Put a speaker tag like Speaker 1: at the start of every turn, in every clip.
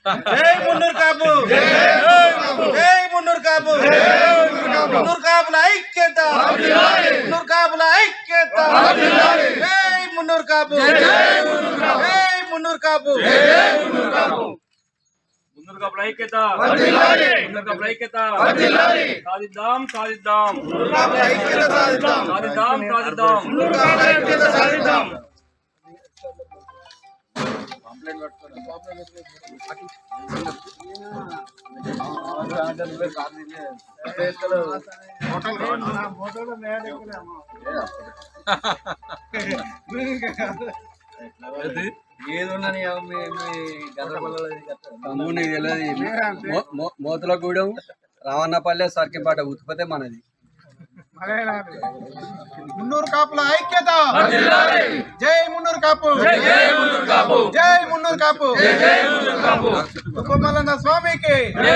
Speaker 1: జై మున్నూరు కాపు, జై మున్నూరు కాపు, మున్నూరు కాపుల ఐక్యత, మున్నూరు కాపుల ఐక్యత, జై మున్నూరు కాపు, జై మున్నూరు కాపు,
Speaker 2: మున్నూరు కాపుల ఐక్యత, మున్నూరు కాపుల ఐక్యత, సాధిద్దాం సాధిద్దాం సాధిద్దాం సాధిద్దాం.
Speaker 3: మోతులగూడెం రావన్నపల్లె సర్కింపాట ఉత్పత్తి మనది.
Speaker 1: మున్నూరు కాపుల ఐక్యత, జై మున్నూరు కాపు, జై మున్నూరు కాపు, ఉపమల్లన్న స్వామికి.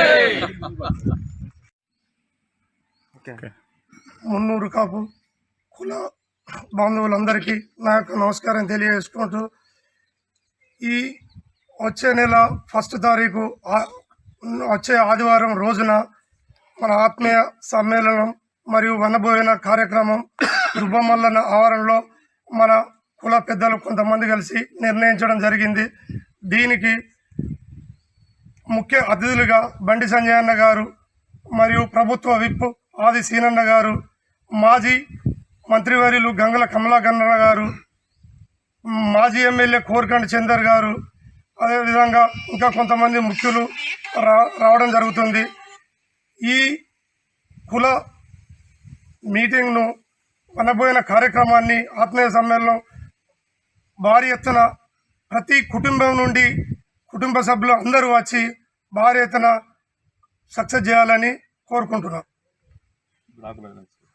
Speaker 4: మున్నూరు కాపు కుల బంధువులందరికీ నా యొక్క నమస్కారం తెలియజేసుకుంటూ, ఈ వచ్చే నెల 1 తారీఖు వచ్చే ఆదివారం రోజున మన ఆత్మీయ సమ్మేళనం మరియు వనభోజన కార్యక్రమం దుబ్బమల్లన్న ఆవరణలో మన కుల పెద్దలు కొంతమంది కలిసి నిర్ణయించడం జరిగింది. దీనికి ముఖ్య అతిథులుగా బండి సంజయ్ అన్న గారు మరియు ప్రభుత్వ విప్ ఆది సీనన్న గారు, మాజీ మంత్రివర్యులు గంగుల కమలాకరణ గారు, మాజీ ఎమ్మెల్యే కోరకండి చందర్ గారు, అదేవిధంగా ఇంకా కొంతమంది ముఖ్యులు రావడం జరుగుతుంది. ఈ కుల మీటింగ్ను వనభోజన కార్యక్రమాన్ని ఆత్మీయ సమ్మేళనం భారీ ఎత్తున ప్రతి కుటుంబం నుండి కుటుంబ సభ్యులు అందరూ వచ్చి భారీ ఎత్తున సక్సెస్ చేయాలని కోరుకుంటున్నాం.